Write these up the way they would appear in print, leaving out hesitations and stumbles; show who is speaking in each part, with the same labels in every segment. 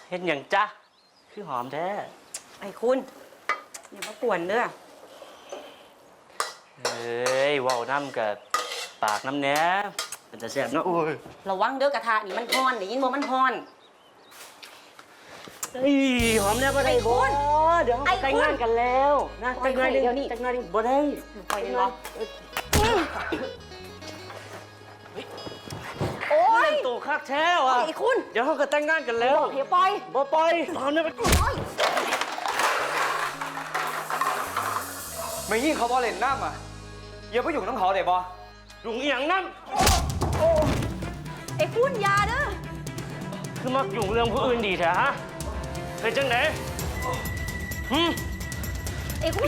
Speaker 1: เห็นอย่างจ๊ะคือหอมแท้
Speaker 2: ไอ้คุณอย่ามากวนเด้อ
Speaker 1: เฮ้ยว่าวน้ำกับปากน้ำเนี้ยมันจะแซ่บเนาะโอ้ย
Speaker 2: ระวังเด้อกระทะนี่มันฮ้อนได้ยินบ่มันฮ้อน
Speaker 1: เฮ้ยหอมแล้วบ่ได้บ่เดี๋ยวเราแต่งงานกันแล้วนะแต่งงานเดี๋ยวนี้แต่งงานบ่ได้
Speaker 2: ปล่อยเลยเหรอโอ้ย
Speaker 1: ตัวคักแท้ว่ะ
Speaker 2: ไอ้คุณ
Speaker 1: เดี๋ยวเขาก็แต่งงานกันแล้ว
Speaker 2: บอกเฮียปล่อย
Speaker 1: บ่ปล่อยหอมเนี่ยมัน
Speaker 3: ไม่ยิ่งเขาบอเล่นน้ำอ่ะอย่าไปอยู่น้ำเขาเดี๋ยวบอ
Speaker 1: ลุงเอียงน้
Speaker 2: ไอ้คุณยาเด้อ
Speaker 1: ำคือมักยุ่งเรื่องผู้อื่นดีแท้ฮะเป็นจังไหน
Speaker 2: ไอ้คุณ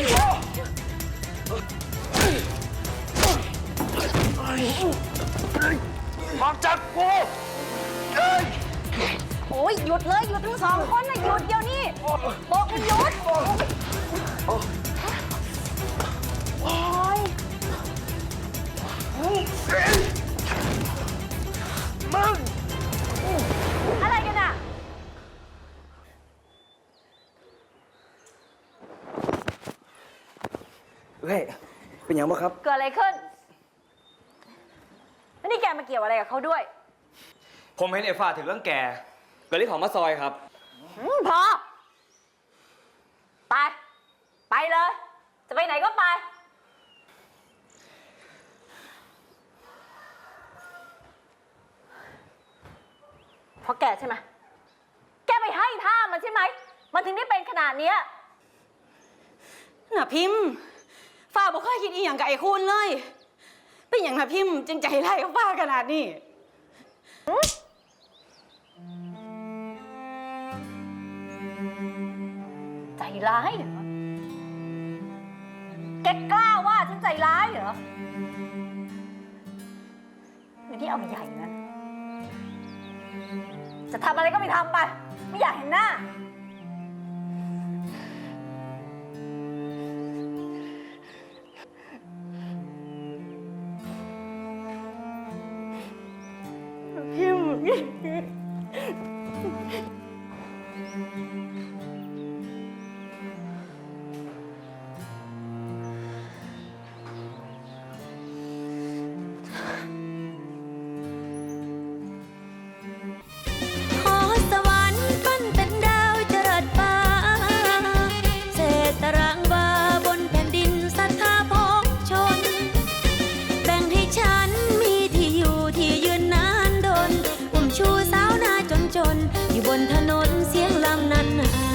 Speaker 1: ออกจากกู
Speaker 2: โอ้ยหยุดเลยหยุดทั้งสองคนนะหยุดเดี๋ยวนี้บอกให้หยุดโอ้ย
Speaker 1: มึง
Speaker 2: อะไรกันอ่ะ
Speaker 3: เฮ้ยเป็นยังบ้างครับ
Speaker 2: เกิดอะไรขึ้นแล้วนี่แกมาเกี่ยวอะไรกับเขาด้วย
Speaker 3: ผมเห็นเอฟ้าถึงเรื่องแกก็เลยขอมาซอยครับ
Speaker 2: พอไปเลยจะไปไหนก็ไปเพราะแกใช่ไหมแกไปให้ท่ามันใช่ไหมมันถึงได้เป็นขนาดนี้น่ะพิมพ์ฝ้าบอกเคยคิดอีหยังกับไอ้คุณเลยเป็นอย่างน่ะพิมพ์จึงใจร้ายกับฝ้าขนาดนี้ใจร้ายเหรอแกกล้าว่าฉันใจร้ายเหรออยู่ที่เอาใหญ่นั้นจะทำอะไรก็ไปทำไปไม่อยากเห็นหน้าพิม
Speaker 4: อยู่บนถนนเสียงลำนั้น